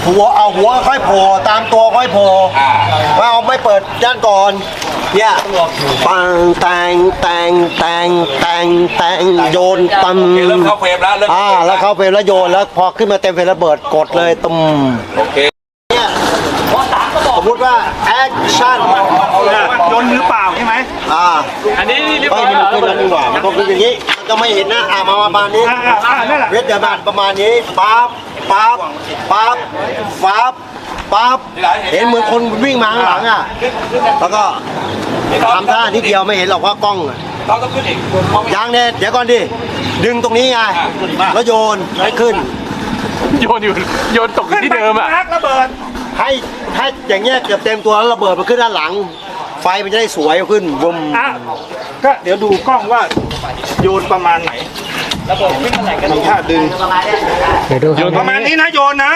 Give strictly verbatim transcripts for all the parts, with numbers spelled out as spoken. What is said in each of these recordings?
หัวเอาหัวค่อยโผล่ตามตัวค่อยโผล่ไม่เอาไม่เปิดด้านก่อนเนี่ยปังแตงแตงแตงแตงแตงโยนตั้มเริ่มเข้าเฟรมแล้วเริ่มอ่าแล้วเข้าเฟรมแล้วโยนแล้วพอขึ้นมาเต็มเฟรมระเบิดกดเลยตุ้มโอเคเนี่ยสมมติว่าแอคชั่นโยนมือเปล่าใช่ไหมอ่าอันนี้เรียบไม่ร้อยมันแล้วขึ้นแล้วดีกว่ามันต้องขึ้นอย่างนี้มันจะไม่เห็นนะอ่ามาประมาณนี้อ่าอ่าอ่านั่นแหละเวทเดอร์แมนประมาณนี้ปั๊บปั๊บปั๊บปั๊บปั๊บเห็นเหมือนคนวิ่งมาข้างหลังอ่ะแล้วก็ทำท่านิดเดียวไม่เห็นหรอกว่ากล้องอะเราต้องขึ้นอีกยางเนี่ยเดี๋ยวก่อนดิดึงตรงนี้ไงแล้วโยนให้ขึ้นโยนอยู่โยนตกอยู่ที่เดิมอ่ะนักระเบิดให้ให้อย่างเงี้ยเกือบเต็มตัวแล้วระเบิดมันขึ้นด้านหลัง ไฟมันจะได้สวยขึ้นวมอ่ะก็เดี๋ยวดูกล้องว่าโยนประมาณไหนระเบิดขึ้นอะไรกันท่าดึงเดี๋ยวดูครับประมาณนี้นะโยนนะ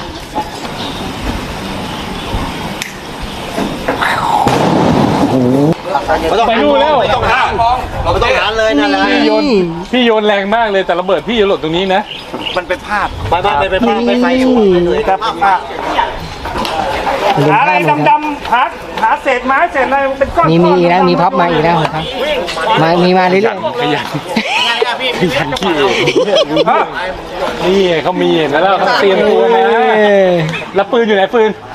ไม่ต้องไปนู่นแล้วไม่ต้องหาไม่ต้องหาเลยนั่นแหละพี่โยนพี่โยนแรงมากเลยแต่ระเบิดพี่หล่นตรงนี้นะมันเป็นภาพไปไปไปไปไปไปไฟสวยเลยครับภาพหาอะไรดำๆหาหาเศษไม้เศษอะไรเป็นก้อนมีมีอีกแล้วมีพับมาอีกแล้วครับมามีมาเรื่อยขยันขยันขี้นี่เขามีเห็นแล้วเขาเตรียมตัวนะแล้วปืนอยู่ไหนปืน